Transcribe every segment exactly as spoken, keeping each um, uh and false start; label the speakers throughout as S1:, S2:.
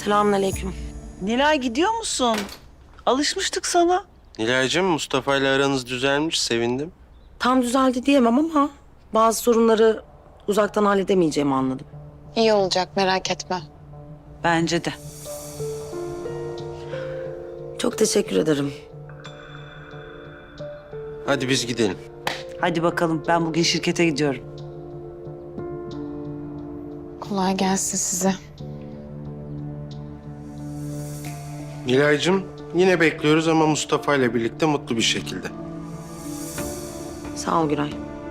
S1: Selamünaleyküm.
S2: Nilay gidiyor musun? Alışmıştık sana.
S3: Nilay'cığım, Mustafa ile aranız düzelmiş, sevindim.
S1: Tam düzeldi diyemem ama bazı sorunları uzaktan halledemeyeceğimi anladım.
S4: İyi olacak, merak etme.
S2: Bence de.
S1: Çok teşekkür ederim.
S3: Hadi biz gidelim.
S2: Hadi bakalım, ben bugün şirkete gidiyorum.
S4: Kolay gelsin size.
S3: Nilay'cığım, yine bekliyoruz ama Mustafa ile birlikte mutlu bir şekilde.
S1: Sağ ol Güray.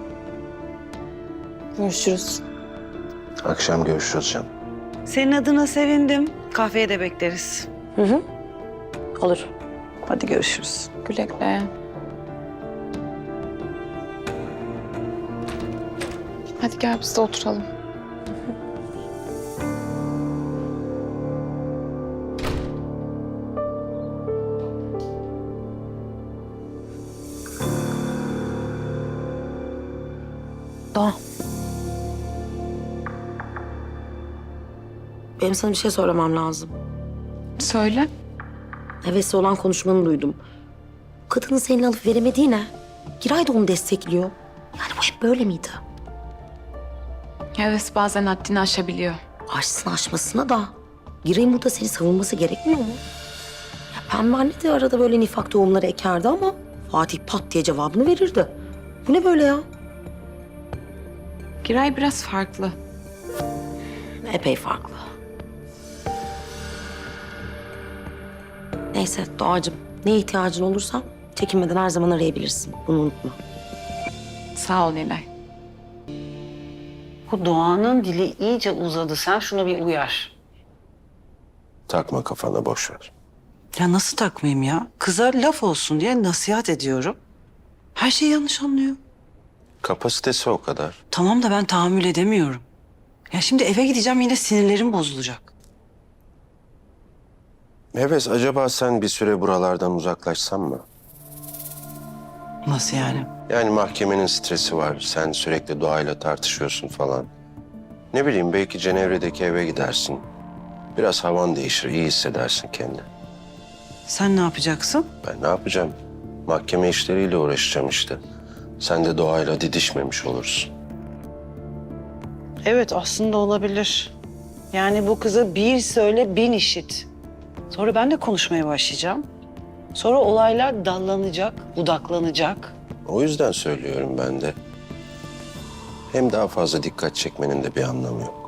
S4: Görüşürüz.
S3: Akşam görüşürüz canım.
S2: Senin adına sevindim. Kahveye de bekleriz.
S1: Hı hı. Olur.
S2: Hadi görüşürüz.
S4: Güle güle. Hadi gel biz de oturalım.
S1: Doğa. Benim sana bir şey söylemem lazım.
S4: Söyle.
S1: Hevesli olan konuşmanı duydum. Kadının seninle alıp veremediği ne? Giray da onu destekliyor. Yani bu hep böyle miydi?
S4: Evet, bazen haddini aşabiliyor.
S1: Aşsın aşmasına da Giray'ın burada seni savunması gerekmiyor mu? Ya Pembe anne de arada böyle nifak tohumları ekerdi ama Fatih pat diye cevabını verirdi. Bu ne böyle ya?
S4: Giray biraz farklı.
S1: Epey farklı. Neyse Doğacığım, neye ihtiyacın olursa çekinmeden her zaman arayabilirsin. Bunu unutma.
S4: Sağ ol Nilay.
S2: Bu Doğan'ın dili iyice uzadı. Sen şunu bir uyar.
S3: Takma kafana, boş ver.
S2: Ya nasıl takmayayım ya? Kıza laf olsun diye nasihat ediyorum. Her şeyi yanlış anlıyor.
S3: Kapasitesi o kadar.
S2: Tamam da ben tahammül edemiyorum. Ya şimdi eve gideceğim, yine sinirlerim bozulacak.
S3: Heves, acaba sen bir süre buralardan uzaklaşsan mı?
S2: Nasıl yani?
S3: Yani mahkemenin stresi var. Sen sürekli Doğayla tartışıyorsun falan. Ne bileyim, belki Cenevre'deki eve gidersin. Biraz havan değişir, iyi hissedersin kendini.
S2: Sen ne yapacaksın?
S3: Ben ne yapacağım? Mahkeme işleriyle uğraşacağım işte. Sen de Doğayla didişmemiş olursun.
S2: Evet, aslında olabilir. Yani bu kıza bir söyle bin işit. Sonra ben de konuşmaya başlayacağım. Sonra olaylar dallanacak, budaklanacak.
S3: O yüzden söylüyorum ben de. Hem daha fazla dikkat çekmenin de bir anlamı yok.